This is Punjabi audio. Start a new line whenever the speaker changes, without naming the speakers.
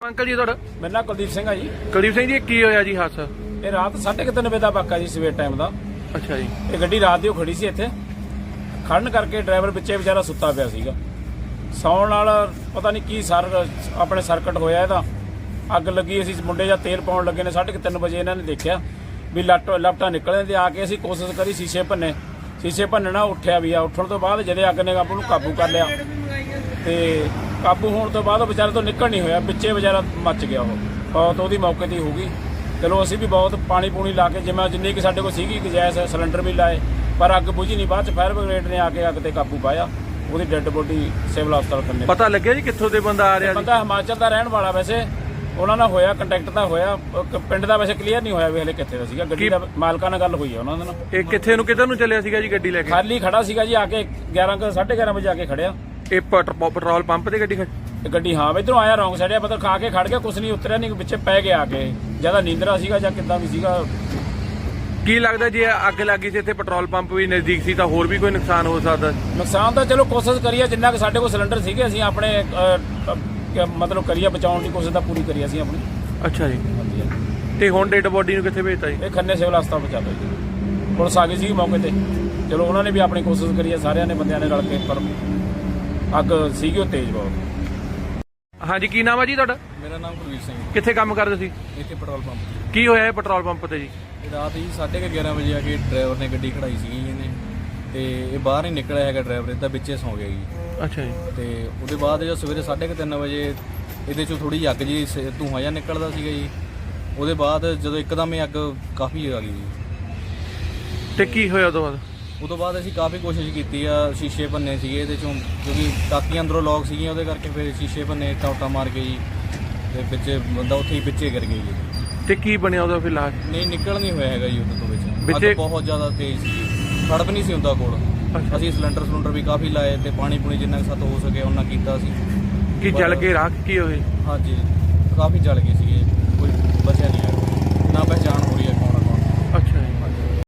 अंकल जी ਤੁਹਾਡਾ
मेरा नाम कुलदीप सिंह है जी।
ਕੁਲਦੀਪ ਸਿੰਘ ਜੀ ਕੀ ਹੋਇਆ ਜੀ ਹਾਦਸਾ?
ये रात 3:30 ਵਜੇ ਦਾ ਵਾਕਾ ਜੀ, ਸਵੇਰ ਟਾਈਮ ਦਾ।
ਅੱਛਾ ਜੀ।
ਇਹ ਗੱਡੀ ਰਾਤ ਦੀ ਖੜੀ ਸੀ ਇੱਥੇ, ਖੜਨ ਕਰਕੇ ਡਰਾਈਵਰ ਵਿੱਚੇ ਵਿਚਾਰਾ ਸੁੱਤਾ ਪਿਆ ਸੀਗਾ। ਸੌਣ ਨਾਲ ਪਤਾ ਨਹੀਂ ਕੀ ਆਪਣੇ ਸਰਕਟ ਹੋਇਆ ਇਹਦਾ, ਅੱਗ ਲੱਗੀ। ਅਸੀਂ ਮੁੰਡੇ ਜਾਂ ਤੇਲ ਪਾਉਣ ਲੱਗੇ ਨੇ 3:30 ਵਜੇ ਇਹਨਾਂ ਨੇ ਦੇਖਿਆ ਵੀ ਲਪਟਾਂ ਨਿਕਲਣ ਤੇ ਆ ਕੇ ਅਸੀਂ ਕੋਸ਼ਿਸ਼ ਕਰੀ ਸ਼ੀਸ਼ੇ ਭੰਨਣਾ, ਉੱਠਿਆ ਵੀ ਆ। ਉੱਠਣ ਤੋਂ ਬਾਅਦ ਜਦੇ ਅੱਗ ਨੇ ਆਪੂ ਨੂੰ ਕਾਬੂ ਕਰ ਲਿਆ ਤੇ ਕਾਬੂ ਹੋਣ ਤੋਂ ਬਾਅਦ ਉਹ ਵਿਚਾਰੇ ਤੋਂ ਨਿਕਲ ਨਹੀਂ ਹੋਇਆ, ਵਿੱਚੇ ਵਿਚਾਰਾ ਮੱਚ ਗਿਆ। ਉਹ ਬਹੁਤ ਉਹਦੀ ਮੌਕੇ ਤੇ ਹੋ ਗਈ। ਚਲੋ ਅਸੀਂ ਵੀ ਬਹੁਤ ਪਾਣੀ ਪੂਣੀ ਲਾ ਕੇ ਜਿੰਨੀ ਕਿ ਸਾਡੇ ਕੋਲ ਸੀਗੀ ਗੈਸ ਸਿਲੰਡਰ ਵੀ ਲਾਏ, ਪਰ ਅੱਗ ਬੁਝੀ ਨਹੀਂ। ਬਾਅਦ ਚ ਫਾਇਰ ਬ੍ਰਿਗੇਡ ਨੇ ਆ ਕੇ ਅੱਗ ਤੇ ਕਾਬੂ ਪਾਇਆ। ਉਹਦੀ ਡੈੱਡ ਬੋਡੀ ਸਿਵਲ ਹਸਪਤਾਲ ਕੰਨੇ।
ਪਤਾ ਲੱਗਿਆ ਜੀ ਕਿੱਥੋਂ ਦੇ ਬੰਦਾ ਆ ਰਿਹਾ ਸੀ?
ਬੰਦਾ ਹਿਮਾਚਲ ਦਾ ਰਹਿਣ ਵਾਲਾ, ਵੈਸੇ ਉਹਨਾਂ ਨਾਲ ਹੋਇਆ ਕੰਟੈਕਟ ਤਾਂ ਹੋਇਆ, ਪਿੰਡ ਦਾ ਵੈਸੇ ਕਲੀਅਰ ਨਹੀਂ ਹੋਇਆ ਵੀ ਹਲੇ ਕਿੱਥੇ ਦਾ ਸੀਗਾ। ਗੱਡੀ ਦਾ ਮਾਲਕਾਂ ਨਾਲ ਗੱਲ ਹੋਈ ਹੈ ਉਹਨਾਂ ਦੇ ਨਾਲ।
ਇਹ ਕਿੱਧਰ ਨੂੰ ਚੱਲਿਆ ਸੀਗਾ ਜੀ ਗੱਡੀ ਲੈ ਕੇ?
ਖਾਲੀ ਖੜਾ ਸੀਗਾ ਜੀ, ਆ ਕੇ 11:30 ਵਜੇ ਆ ਕੇ ਖੜਿਆ।
ਇਹ ਪੈਟਰੋਲ ਪੰਪ ਤੇ
ਗੱਡੀ ਹਾਂ ਇਧਰੋਂ ਆਇਆ, ਰੌਂਗ ਸਾਈਡ ਮਤਲਬ ਖਾ ਕੇ ਖੜ ਗਿਆ, ਕੁਛ ਨਹੀਂ ਉਤਰਿਆ, ਨਹੀਂ ਵਿੱਚੇ ਪੈ ਗਿਆ ਆ ਕੇ। ਜਿਆਦਾ ਨੀਂਦਰਾ ਸੀਗਾ ਜਾਂ ਕਿੱਦਾਂ ਵੀ ਸੀਗਾ।
ਕੀ ਲੱਗਦਾ ਜੀ ਅੱਗ ਲੱਗੀ ਸੀ ਇੱਥੇ, ਪੈਟਰੋਲ ਪੰਪ ਵੀ ਨਜ਼ਦੀਕ ਸੀ, ਤਾਂ ਹੋਰ ਵੀ ਕੋਈ ਨੁਕਸਾਨ ਹੋ ਸਕਦਾ?
ਨੁਕਸਾਨ ਤਾਂ ਚਲੋ ਕੋਸ਼ਿਸ਼ ਕਰੀਏ, ਜਿੰਨਾ ਕਿ ਸਾਡੇ ਕੋਲ ਸਿਲੰਡਰ ਸੀਗੇ ਅਸੀਂ ਆਪਣੇ ਮਤਲਬ ਕਰੀਏ ਬਚਾਉਣ ਦੀ ਕੋਸ਼ਿਸ਼ ਤਾਂ ਪੂਰੀ ਕਰੀ ਅਸੀਂ ਆਪਣੀ।
ਅੱਛਾ ਜੀ। ਤੇ ਹੁਣ ਡੈਡ ਬੋਡੀ ਨੂੰ ਕਿੱਥੇ ਭੇਜਤਾ ਜੀ?
ਇਹ ਖੰਨੇ ਸਿਵਲ ਹਸਪਤਾਲ ਪਹੁੰਚਾ ਦਿਓ ਜੀ। ਪੁਲਿਸ ਆ ਗਈ ਸੀ ਮੌਕੇ ਤੇ, ਚਲੋ ਉਹਨਾਂ ਨੇ ਵੀ ਆਪਣੀ ਕੋਸ਼ਿਸ਼ ਕਰੀ ਹੈ, ਸਾਰਿਆਂ ਨੇ ਬੰਦਿਆਂ ਨੇ ਰਲ ਕੇ, ਪਰ ਅੱਗ ਸੀਗੀ ਉਹ ਤੇਜ਼ ਬਹੁਤ।
ਹਾਂਜੀ, ਕੀ ਨਾਮ ਹੈ ਜੀ ਤੁਹਾਡਾ?
ਮੇਰਾ ਨਾਮ ਕੁਲਵੀਰ ਸਿੰਘ।
ਕਿੱਥੇ ਕੰਮ ਕਰਦੇ ਸੀ?
ਇੱਥੇ ਪੈਟਰੋਲ ਪੰਪ।
ਕੀ ਹੋਇਆ ਇਹ ਪੈਟਰੋਲ ਪੰਪ ਤੇ ਜੀ?
ਰਾਤ ਜੀ 11:30 ਵਜੇ ਆ ਕੇ ਡਰਾਈਵਰ ਨੇ ਗੱਡੀ ਖੜਾਈ ਸੀਗੀ ਇਹਨੇ, ਤੇ ਇਹ ਬਾਹਰ ਨਹੀਂ ਨਿਕਲਿਆ ਹੈਗਾ ਡਰਾਈਵਰ, ਇਹਦਾ ਵਿੱਚੇ ਸੌਂ ਗਿਆ ਜੀ।
ਅੱਛਾ ਜੀ।
ਤੇ ਉਹਦੇ ਬਾਅਦ ਜਦੋਂ ਸਵੇਰੇ 3:30 ਵਜੇ ਇਹਦੇ ਚੋਂ ਥੋੜੀ ਜਿਹੀ ਅੱਗ ਜੀ ਧੂੰਆਂ ਜਿਹਾ ਨਿਕਲਦਾ ਸੀਗਾ ਜੀ। ਉਹਦੇ ਬਾਅਦ ਜਦੋਂ ਇੱਕਦਮ ਹੀ ਅੱਗ ਕਾਫੀ ਆ ਗਈ ਜੀ।
ਤੇ ਕੀ ਹੋਇਆ
ਉਦੋਂ ਬਾਅਦ ਅਸੀਂ ਕਾਫੀ ਕੋਸ਼ਿਸ਼ ਕੀਤੀ ਆ, ਸ਼ੀਸ਼ੇ ਭੰਨੇ ਸੀਗੇ ਇਹਦੇ ਚੋਂ, ਕਿਉਂਕਿ ਟਾਕੀਆਂ ਅੰਦਰੋਂ ਲੌਕ ਸੀਗੀਆਂ, ਉਹਦੇ ਕਰਕੇ ਫਿਰ ਸ਼ੀਸ਼ੇ ਭੰਨੇ, ਟੌਟਾ ਮਾਰ ਕੇ ਜੀ, ਤੇ ਵਿੱਚੇ ਬੰਦਾ ਉੱਥੇ ਹੀ ਵਿੱਚੇ ਗਿਰ ਗਿਆ ਜੀ।
ਤੇ ਕੀ ਬਣਿਆ ਉਹਦਾ ਫਿਰ ਲਾਸ਼?
ਨਹੀਂ ਨਿਕਲ ਨਹੀਂ ਹੋਇਆ ਹੈਗਾ ਜੀ ਉਹਦੇ ਤੋਂ ਵਿੱਚ। ਅੱਗ ਬਹੁਤ ਜ਼ਿਆਦਾ ਤੇਜ਼ ਸੀ, ਖੜਪ ਨਹੀਂ ਸੀ ਹੁੰਦਾ ਕੋਲ। ਅਸੀਂ ਸਿਲੰਡਰ ਵੀ ਕਾਫੀ ਲਾਏ ਤੇ ਪਾਣੀ ਪੂਣੀ ਜਿੰਨਾ ਕੁ ਸਾਤੋਂ ਹੋ ਸਕੇ ਉਹਨਾਂ ਕੀਤਾ ਸੀ।
ਕੀ ਜਲ ਕੇ ਰਾਖ ਕੀ ਹੋਏ?
ਹਾਂਜੀ, ਕਾਫੀ ਜਲ ਗਏ ਸੀਗੇ, ਕੋਈ ਬਚਿਆ ਨਹੀਂ ਹੈ, ਨਾ ਪਹਿਚਾਣ ਹੋ ਰਹੀ ਹੈ।